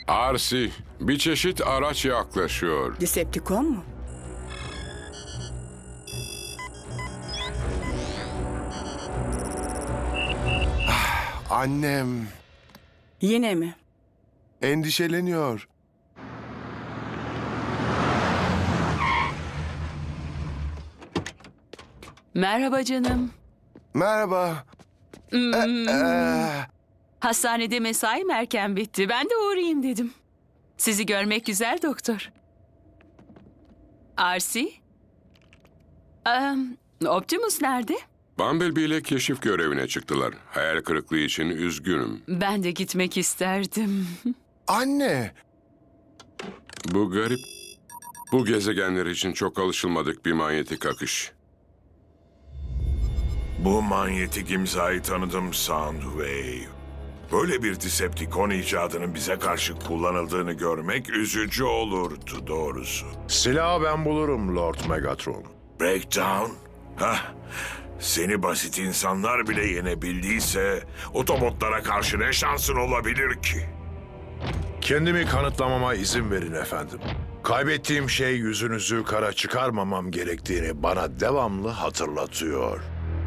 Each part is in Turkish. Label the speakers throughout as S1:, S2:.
S1: Arsi, bir çeşit araç yaklaşıyor.
S2: Decepticon mu?
S3: Annem
S2: Yine mi?
S3: endişeleniyor.
S4: Merhaba canım.
S3: Merhaba.
S4: Hastanede mesaim erken bitti. Ben de uğrayayım dedim. Sizi görmek güzel doktor. Arsi? Optimus nerede?
S1: Bumblebee ile keşif görevine çıktılar. Hayal kırıklığı için üzgünüm.
S4: Ben de gitmek isterdim.
S3: Anne,
S1: Bu garip. Bu gezegenler için çok alışılmadık bir manyetik akış.
S5: Bu manyetik imzayı tanıdım Soundwave. Böyle bir Decepticon icadının bize karşı kullanıldığını görmek üzücü olurdu doğrusu.
S6: Silahı ben bulurum Lord Megatron.
S5: Breakdown? Hah, seni basit insanlar bile yenebildiyse Autobotlara karşı ne şansın olabilir ki?
S6: Kendimi kanıtlamama izin verin efendim. Kaybettiğim şey yüzünüzü kara çıkarmamam gerektiğini bana devamlı hatırlatıyor.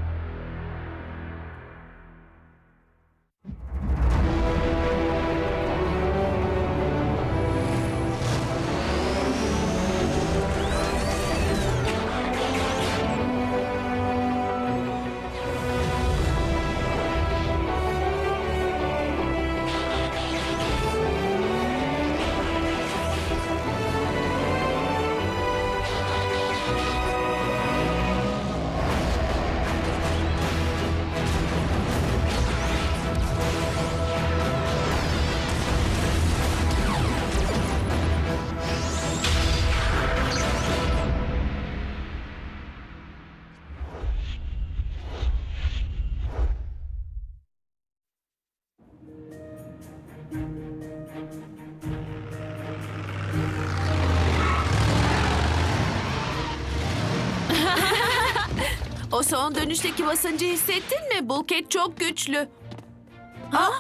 S7: O son dönüşteki basıncı hissettin mi? Bulkhead çok güçlü. Ha?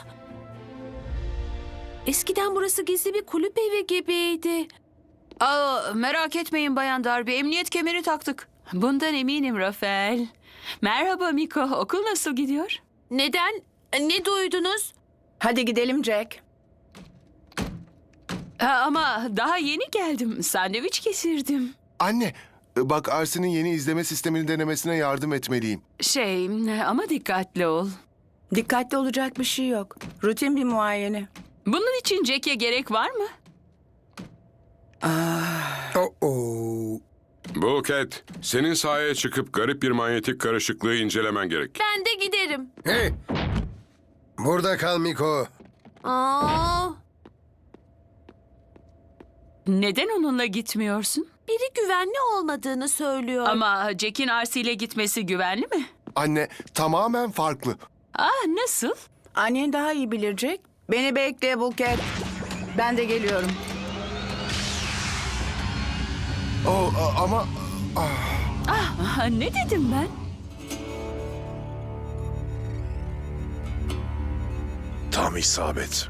S7: Eskiden burası gizli bir kulüp evi gibiydi.
S4: Merak etmeyin Bayan Darby. Emniyet kemeri taktık. Bundan eminim Rafael. Merhaba Miko. Okul nasıl gidiyor?
S7: Neden? Ne duydunuz?
S2: Hadi gidelim Jack.
S4: Ama daha yeni geldim. Sandviç kesirdim.
S3: anne. Bak Arsi'nin yeni izleme sistemini denemesine yardım etmeliyim.
S4: Ama dikkatli ol.
S2: Dikkatli olacak bir şey yok. Rutin bir muayene.
S4: Bunun için Jack'e gerek var mı?
S1: Bulkhead, senin sahaya çıkıp garip bir manyetik karışıklığı incelemen gerek.
S7: Ben de giderim.
S8: Hey! Burada kal Miko.
S7: Aa,
S4: Neden onunla gitmiyorsun?
S7: biri güvenli olmadığını söylüyor.
S4: Ama Jack'in Arsi ile gitmesi güvenli mi?
S3: Anne, tamamen farklı.
S4: Nasıl?
S2: Annen daha iyi bilir Jack. Beni bekle Bulkhead. Ben de geliyorum.
S3: Ama
S4: Ne dedim ben?
S6: Tam isabet.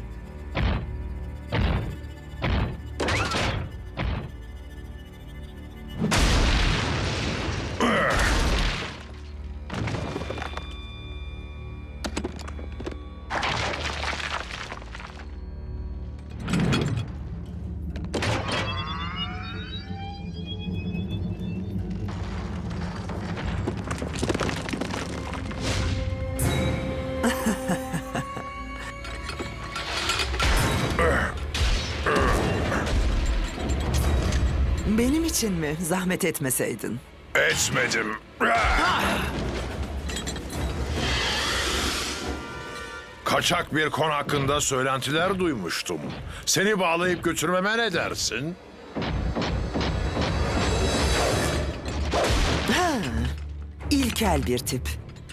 S9: Benim için mi? Zahmet etmeseydin.
S6: Etmedim. Kaçak bir kon hakkında söylentiler duymuştum. Seni bağlayıp götürmeme ne dersin?
S9: İlkel bir tip.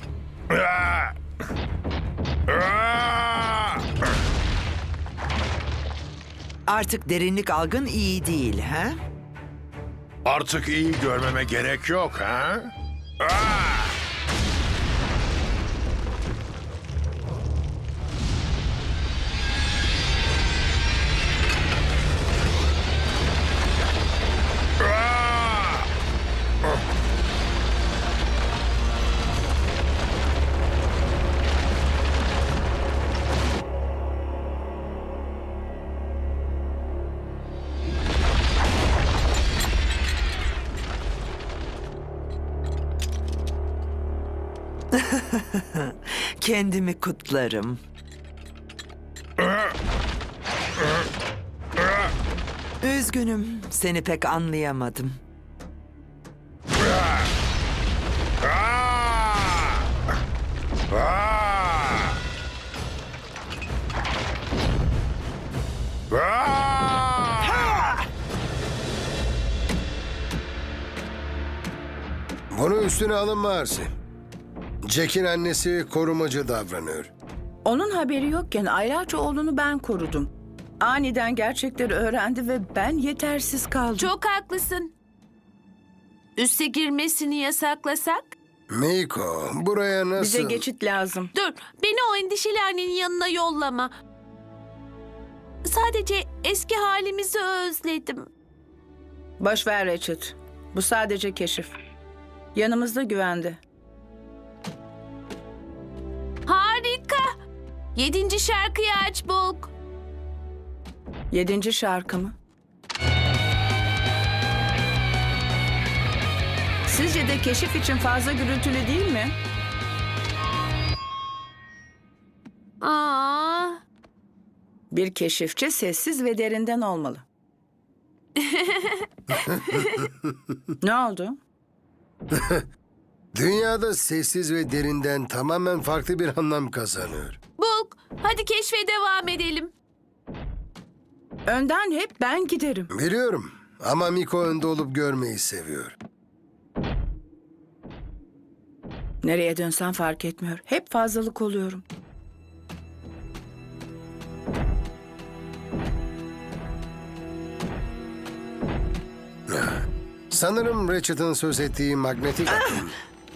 S9: Artık derinlik algın iyi değil, ha?
S6: Artık iyi görmeme gerek yok, ha?
S9: Kendimi kutlarım. Üzgünüm, seni pek anlayamadım.
S8: Bunu üstüne alınma Arsi. Jack'in annesi korumacı davranıyor.
S2: Onun haberi yokken aylarca oğlunu ben korudum. Aniden gerçekleri öğrendi ve ben yetersiz kaldım.
S7: Çok haklısın. Üste girmesini yasaklasak?
S8: Miko, buraya nasıl...
S2: Bize geçit lazım.
S7: Dur, beni o endişeli annenin yanına yollama. Sadece eski halimizi özledim.
S2: Boş ver Richard. Bu sadece keşif. Yanımızda güvende.
S7: Harika. 7. şarkıyı aç Bulk.
S2: 7. şarkı mı? Sizce de keşif için fazla gürültülü değil mi?
S7: Aa,
S2: Bir keşifçi sessiz ve derinden olmalı. Ne oldu?
S8: Dünyada sessiz ve derinden tamamen farklı bir anlam kazanıyor.
S7: Bulk, hadi keşfe devam edelim.
S2: Önden hep ben giderim.
S8: Biliyorum ama Miko önde olup görmeyi seviyor.
S2: Nereye dönsem fark etmiyor. Hep fazlalık oluyorum.
S8: Sanırım Ratchet'ın söz ettiği magnetik akım.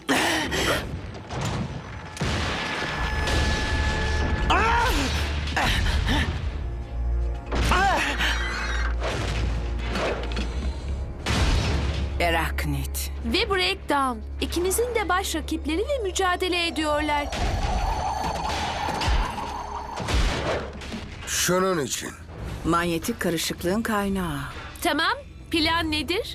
S2: Eraknit.
S7: Ve Breakdown. İkimizin de baş rakipleriyle mücadele ediyorlar.
S8: Şunun için.
S2: Manyetik karışıklığın kaynağı.
S7: Tamam, plan nedir?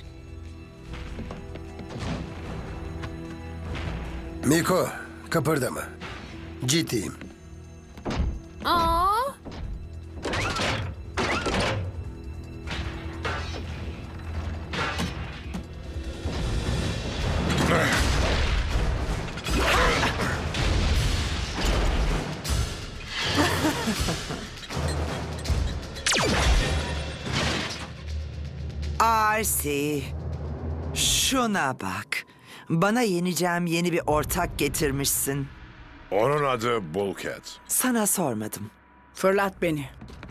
S8: Miko, kıpırdama. Ciddiyim.
S7: Aa,
S9: Arsi, şuna bak. Bana yeneceğim yeni bir ortak getirmişsin.
S6: Onun adı Bulkhead.
S9: Sana sormadım.
S2: Fırlat beni.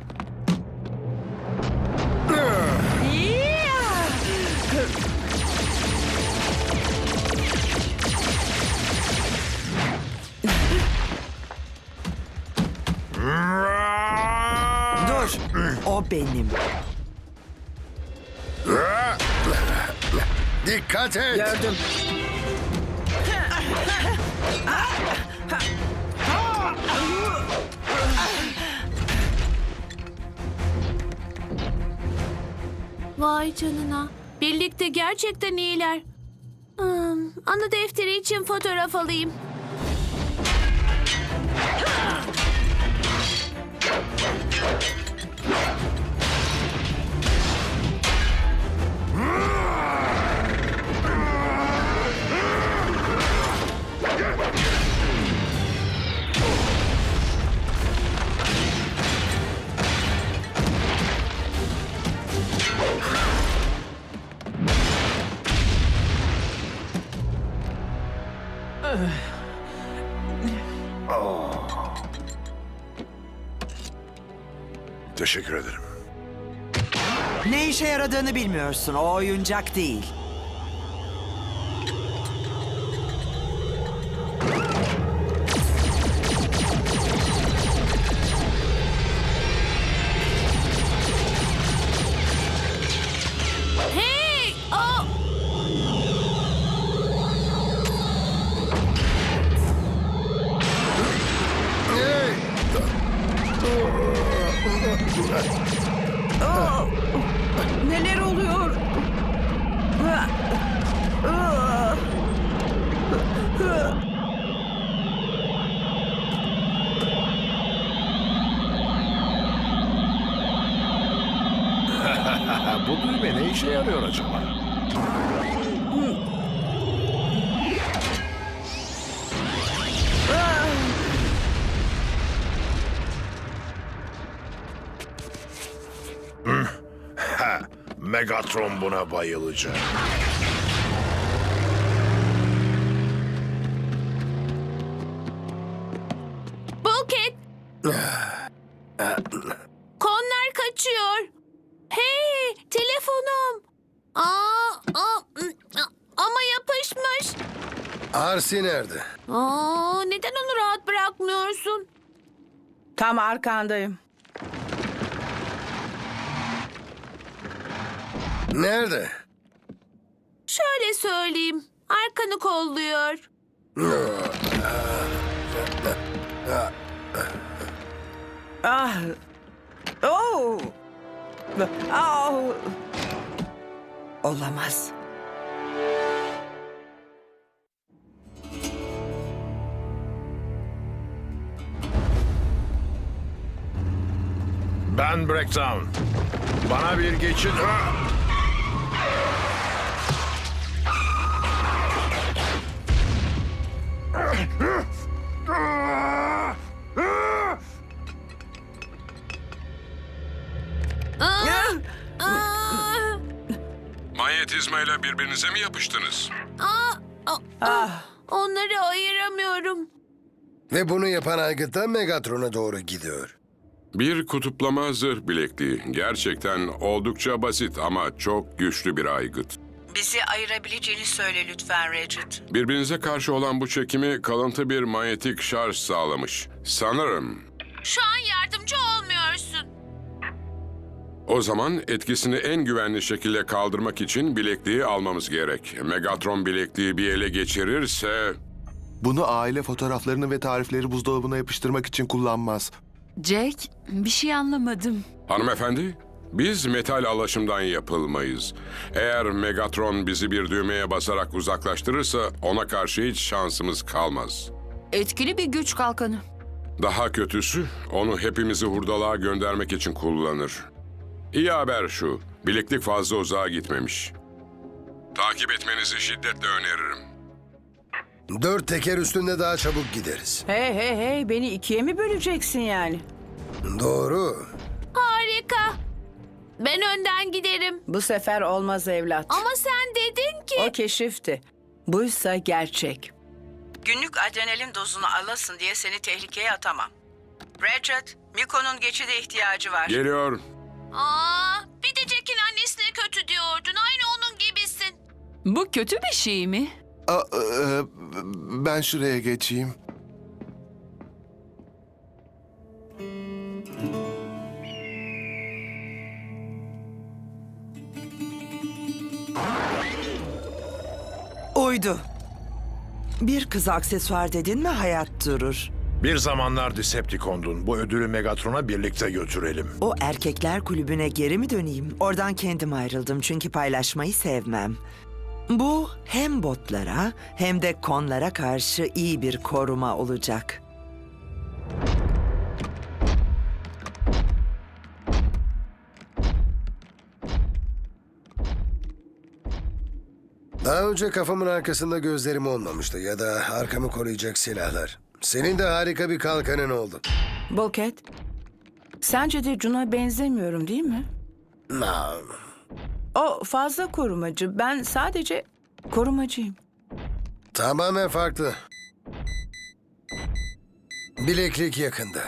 S9: Dur, o benim.
S8: Dikkat et.
S2: Gördüm.
S7: vay canına. Birlikte gerçekten iyiler. Anı defteri için fotoğraf alayım.
S6: Teşekkür ederim.
S9: Ne işe yaradığını bilmiyorsun. O oyuncak değil.
S7: Hey! Oh!
S2: Neler oluyor?
S6: Bu düğme ne işe yarıyor acaba? Megatron buna bayılacak.
S7: Bulket! Konlar kaçıyor. Hey, telefonum. Ama yapışmış.
S8: Arsi nerede?
S7: Neden onu rahat bırakmıyorsun?
S2: Tam arkandayım.
S8: Nerede?
S7: Şöyle söyleyeyim. Arkanı kolluyor.
S2: Ah. Oh. Oh.
S9: Olamaz.
S6: Ben Breakdown. Bana bir geçit...
S1: Manyetizmayla birbirinize mi yapıştınız?
S7: Onları ayıramıyorum.
S8: Ve bunu yapan aygıt da Megatron'a doğru gidiyor.
S1: Bir kutuplama zırh bilekliği. Gerçekten oldukça basit ama çok güçlü bir aygıt.
S2: Bizi ayırabileceğini söyle lütfen Regid.
S1: Birbirinize karşı olan bu çekimi kalıntı bir manyetik şarj sağlamış. Sanırım.
S7: Şu an yardımcı olmuyorsun.
S1: O zaman etkisini en güvenli şekilde kaldırmak için bilekliği almamız gerek. Megatron bilekliği bir ele geçirirse...
S3: Bunu aile fotoğraflarını ve tarifleri buzdolabına yapıştırmak için kullanmaz.
S4: Jack, bir şey anlamadım.
S1: Hanımefendi, biz metal alaşımdan yapılmayız. Eğer Megatron bizi bir düğmeye basarak uzaklaştırırsa ona karşı hiç şansımız kalmaz.
S4: Etkili bir güç kalkanı.
S1: Daha kötüsü, onu hepimizi hurdalığa göndermek için kullanır. İyi haber şu, bileklik fazla uzağa gitmemiş. Takip etmenizi şiddetle öneririm.
S8: 4 teker üstünde daha çabuk gideriz.
S2: Hey, beni ikiye mi böleceksin yani?
S8: Doğru.
S7: Harika. Ben önden giderim.
S2: Bu sefer olmaz evlat.
S7: Ama sen dedin ki...
S2: O keşifti. Buysa gerçek. Günlük adrenalin dozunu alasın diye seni tehlikeye atamam. Regid, Miko'nun geçide ihtiyacı var.
S1: Geliyor.
S7: Bir de Jack'in annesine kötü diyordun. Aynı onun gibisin.
S4: Bu kötü bir şey mi?
S3: Ben şuraya geçeyim.
S9: Uydu. Bir kız aksesuar dedin mi hayat durur.
S6: Bir zamanlar Decepticon'dun. Bu ödülü Megatron'a birlikte götürelim.
S9: O erkekler kulübüne geri mi döneyim? Oradan kendim ayrıldım çünkü paylaşmayı sevmem. Bu hem botlara hem de konlara karşı iyi bir koruma olacak.
S8: Daha önce kafamın arkasında gözlerim olmamıştı ya da arkamı koruyacak silahlar. Senin de harika bir kalkanın oldu.
S2: Bulket, sence de Jun'a benzemiyorum değil mi? O fazla korumacı. Ben sadece korumacıyım.
S8: Tamamen farklı. Bileklik yakında.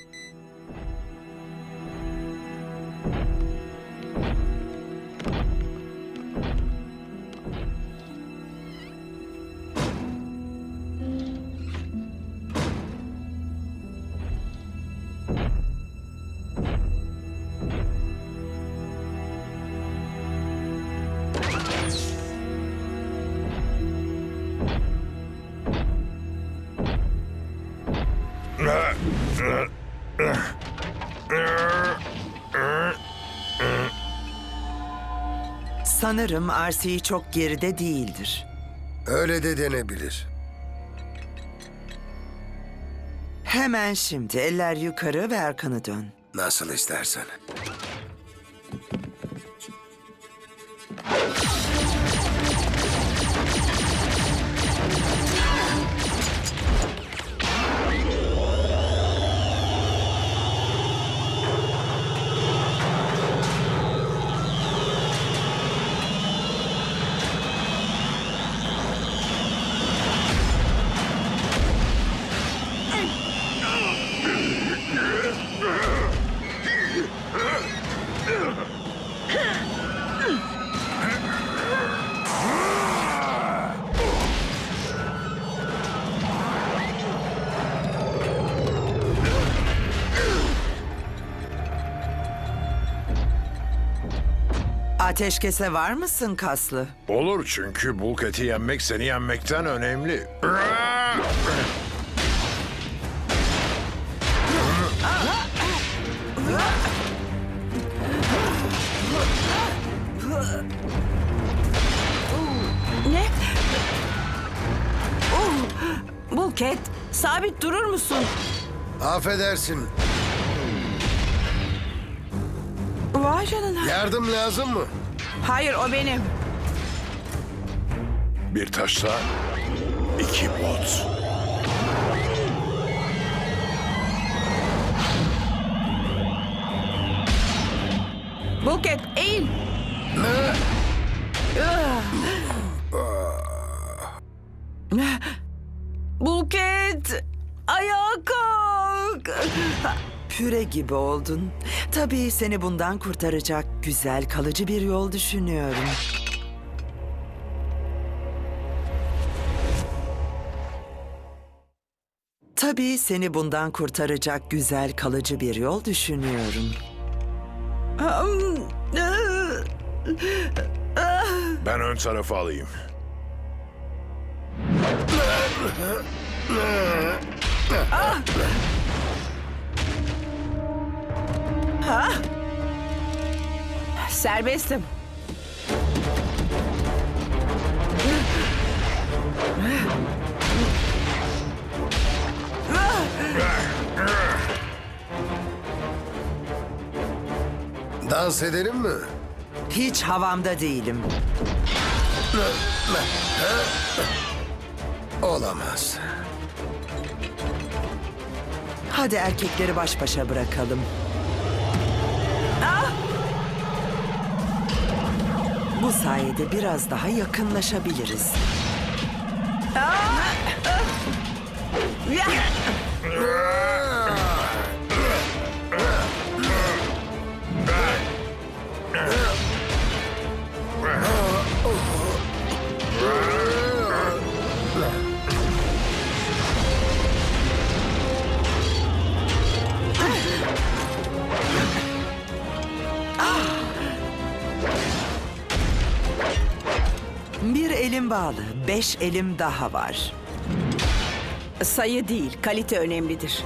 S9: Sanırım RC çok geride değildir.
S8: Öyle de denebilir.
S9: Hemen şimdi eller yukarı ve arkanı dön.
S8: Nasıl istersen.
S9: Ateşkese var mısın kaslı?
S6: Olur çünkü Bulket'i yenmek seni yenmekten önemli.
S2: Ne? Bulket, sabit durur musun?
S8: Affedersin.
S2: Vay canına.
S8: Yardım lazım mı?
S2: Hayır, o benim.
S6: Bir taşla 2 bot.
S2: Bulket, eğil. Bulket, ayağa kalk.
S9: Püre gibi oldun. Tabii seni bundan kurtaracak güzel, kalıcı bir yol düşünüyorum. Tabii seni bundan kurtaracak güzel, kalıcı bir yol düşünüyorum.
S6: Ben ön tarafı alayım.
S2: Serbestim.
S8: Dans edelim mi?
S9: Hiç havamda değilim.
S8: Olamaz.
S9: Hadi erkekleri baş başa bırakalım. Bu sayede biraz daha yakınlaşabiliriz. Bir elim bağlı, 5 elim daha var.
S2: Sayı değil, kalite önemlidir.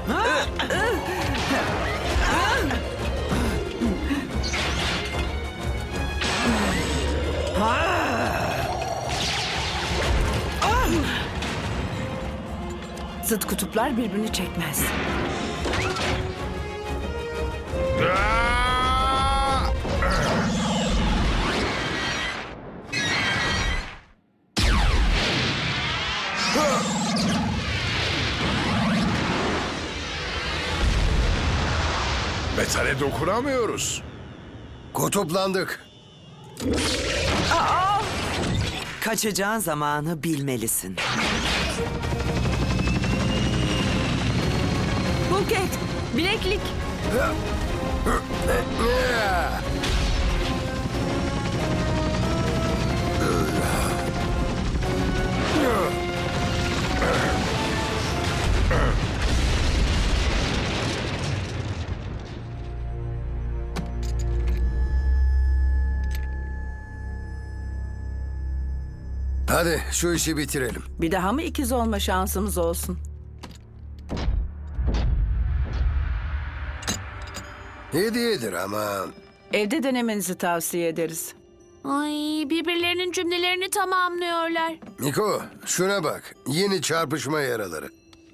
S2: Zıt kutuplar birbirini çekmez.
S6: Metale dokunamıyoruz.
S8: Kutuplandık.
S9: Kaçacağın zamanı bilmelisin.
S2: Bulket, bileklik.
S8: Hadi şu işi bitirelim.
S2: Bir daha mı ikiz olma şansımız olsun?
S8: Hediyedir ama
S2: Evde denemenizi tavsiye ederiz.
S7: Ay, birbirlerinin cümlelerini tamamlıyorlar.
S8: Miko şuna bak. Yeni çarpışma yaraları.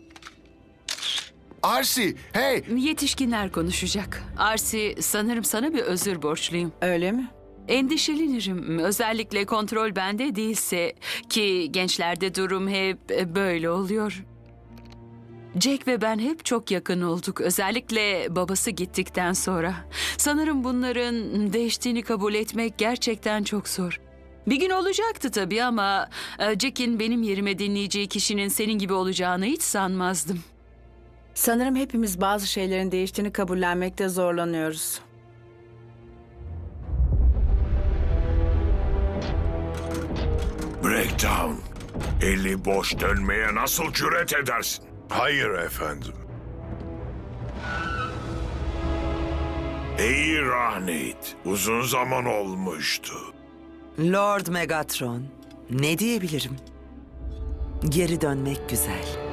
S8: Arsi, hey!
S4: Yetişkinler konuşacak. Arsi, sanırım sana bir özür borçluyum.
S2: Öyle mi?
S4: Endişelenirim. Özellikle kontrol bende değilse ki gençlerde durum hep böyle oluyor. Jack ve ben hep çok yakın olduk. Özellikle babası gittikten sonra. Sanırım bunların değiştiğini kabul etmek gerçekten çok zor. Bir gün olacaktı tabii ama Jack'in benim yerime dinleyeceği kişinin senin gibi olacağını hiç sanmazdım.
S2: Sanırım hepimiz bazı şeylerin değiştiğini kabullenmekte zorlanıyoruz.
S5: Breakdown. Eli boş dönmeye nasıl cüret edersin?
S6: Hayır efendim.
S5: Ey Rahnit, uzun zaman olmuştu.
S9: Lord Megatron, ne diyebilirim? Geri dönmek güzel.